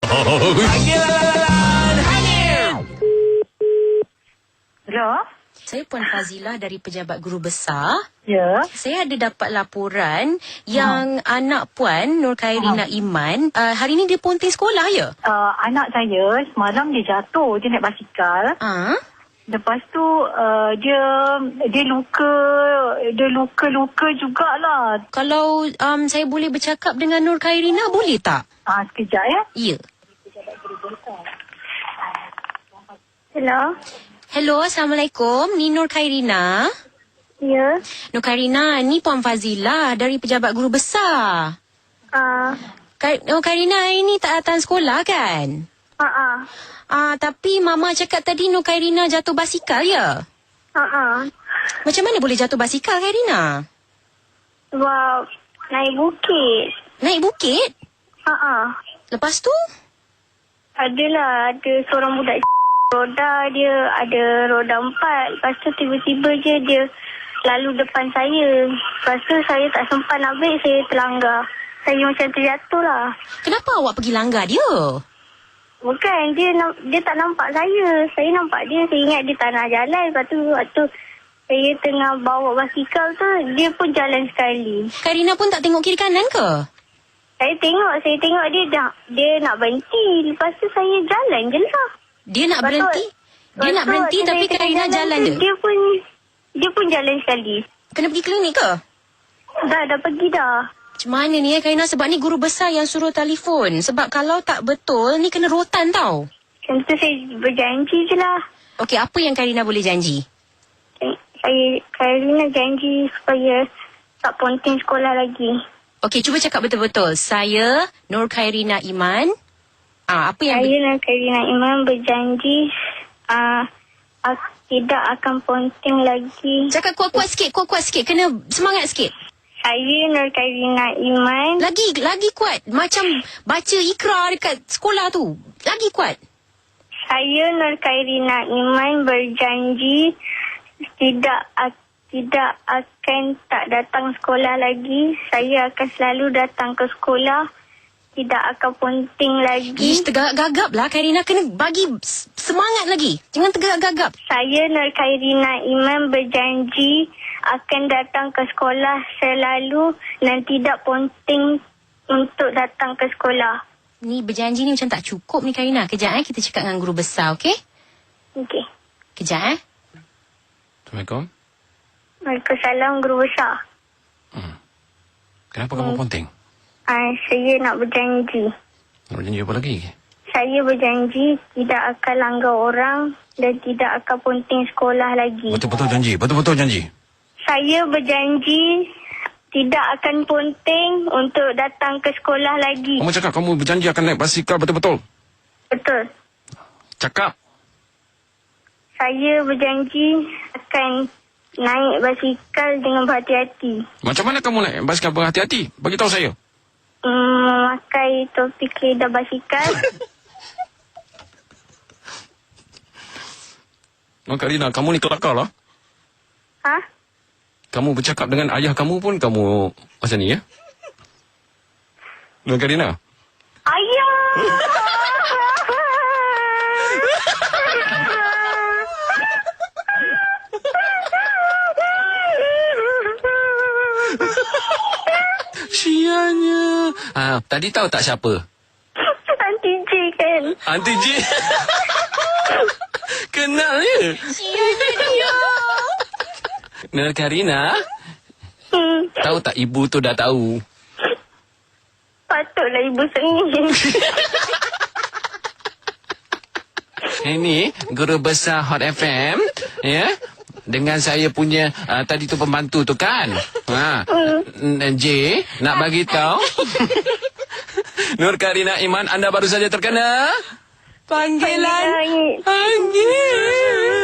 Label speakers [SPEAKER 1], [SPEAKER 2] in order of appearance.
[SPEAKER 1] Hello?
[SPEAKER 2] Saya Puan Fazilah dari Pejabat Guru Besar.
[SPEAKER 1] Ya.
[SPEAKER 2] Saya ada dapat laporan yang anak Puan Nur Khairina Iman hari ni dia ponting sekolah ya?
[SPEAKER 1] Anak saya semalam dia jatuh. Dia naik basikal. Lepas tu dia luka jugalah.
[SPEAKER 2] Kalau saya boleh bercakap dengan Nur Khairina boleh tak?
[SPEAKER 1] Sekejap ya.
[SPEAKER 2] Ya.
[SPEAKER 1] Hello?
[SPEAKER 2] Hello, Assalamualaikum. Ni Nur Khairina.
[SPEAKER 1] Ya.
[SPEAKER 2] Nur Khairina, ni Puan Fazilah dari Pejabat Guru Besar. Nur Khairina hari ni tak datang sekolah kan? Tapi Mama cakap tadi Nur Khairina jatuh basikal ya? Macam mana boleh jatuh basikal Khairina?
[SPEAKER 3] Sebab naik bukit.
[SPEAKER 2] Naik bukit? Lepas tu?
[SPEAKER 3] Ada seorang budak roda, dia ada roda 4. Lepas tu tiba-tiba je dia lalu depan saya. Lepas tu saya tak sempat nak break, saya terlanggar. Saya macam terjatuh lah.
[SPEAKER 2] Kenapa awak pergi langgar dia?
[SPEAKER 3] Bukan, dia tak nampak saya. Saya nampak dia, saya ingat dia tak nak jalan. Lepas tu saya tengah bawa basikal tu, dia pun jalan sekali.
[SPEAKER 2] Khairina pun tak tengok kiri kanan ke?
[SPEAKER 3] Saya tengok dia nak berhenti. Lepas tu saya jalan je lah.
[SPEAKER 2] Dia nak berhenti? Dia nak berhenti tapi Khairina jalan dia?
[SPEAKER 3] Dia pun jalan sekali.
[SPEAKER 2] Kena pergi klinik ke?
[SPEAKER 3] Dah pergi dah.
[SPEAKER 2] Macam mana ni Khairina? Sebab ni guru besar yang suruh telefon. Sebab kalau tak betul, ni kena rotan tau.
[SPEAKER 3] Macam tu saya berjanji je lah.
[SPEAKER 2] Okey, apa yang Khairina boleh janji?
[SPEAKER 3] Khairina janji supaya tak ponting sekolah lagi.
[SPEAKER 2] Okey, cuba cakap betul-betul. Saya, Nur Khairina Iman. Apa yang...
[SPEAKER 3] Saya, Nur Khairina Iman berjanji tidak akan ponting lagi.
[SPEAKER 2] Cakap kuat-kuat sikit. Kena semangat sikit.
[SPEAKER 3] Saya, Nur Khairina Iman.
[SPEAKER 2] Lagi kuat. Macam baca ikrar dekat sekolah tu. Lagi kuat.
[SPEAKER 3] Saya, Nur Khairina Iman berjanji tidak akan tak datang sekolah lagi. Saya akan selalu datang ke sekolah. Tidak akan ponting lagi.
[SPEAKER 2] Tergagap lah Khairina. Kena bagi semangat lagi. Jangan tergagap.
[SPEAKER 3] Saya, Nur Khairina Iman berjanji akan datang ke sekolah selalu dan tidak ponting untuk datang ke sekolah.
[SPEAKER 2] Ni berjanji ni macam tak cukup ni Khairina. Kejap kita cakap dengan guru besar, okey?
[SPEAKER 3] Okey.
[SPEAKER 2] Kejap
[SPEAKER 4] Assalamualaikum.
[SPEAKER 3] Waalaikumsalam, guru besar.
[SPEAKER 4] Kenapa kamu ponting?
[SPEAKER 3] Saya nak berjanji.
[SPEAKER 4] Nak berjanji apa lagi?
[SPEAKER 3] Saya berjanji tidak akan langgar orang dan tidak akan ponting sekolah lagi.
[SPEAKER 4] Betul-betul janji. Betul-betul janji.
[SPEAKER 3] Saya berjanji tidak akan ponting untuk datang ke sekolah lagi.
[SPEAKER 4] Kamu cakap kamu berjanji akan naik basikal betul-betul?
[SPEAKER 3] Betul.
[SPEAKER 4] Cakap.
[SPEAKER 3] Saya berjanji akan naik basikal dengan berhati-hati.
[SPEAKER 4] Macam mana kamu naik basikal berhati-hati? Bagi tahu saya.
[SPEAKER 3] Memakai topi keledar basikal.
[SPEAKER 4] Khairina, kamu ni kelakar lah. Kamu bercakap dengan ayah kamu pun kamu macam ni ya? Khairina.
[SPEAKER 3] Ayah!
[SPEAKER 4] Sianya. Tadi tahu tak siapa?
[SPEAKER 3] Aunty J kan?
[SPEAKER 4] Aunty J. Kenal ya?
[SPEAKER 2] Sianya dia.
[SPEAKER 4] Nur Khairina. Tahu tak ibu tu dah tahu?
[SPEAKER 3] Patutlah ibu sengih.
[SPEAKER 4] Ini guru besar Hot FM. Ya? Dengan saya punya tadi tu pembantu tu kan. J nak bagi tahu. Nur Khairina Iman, anda baru saja terkena
[SPEAKER 2] Panggilan.
[SPEAKER 3] Panggilan.
[SPEAKER 2] Panggilan.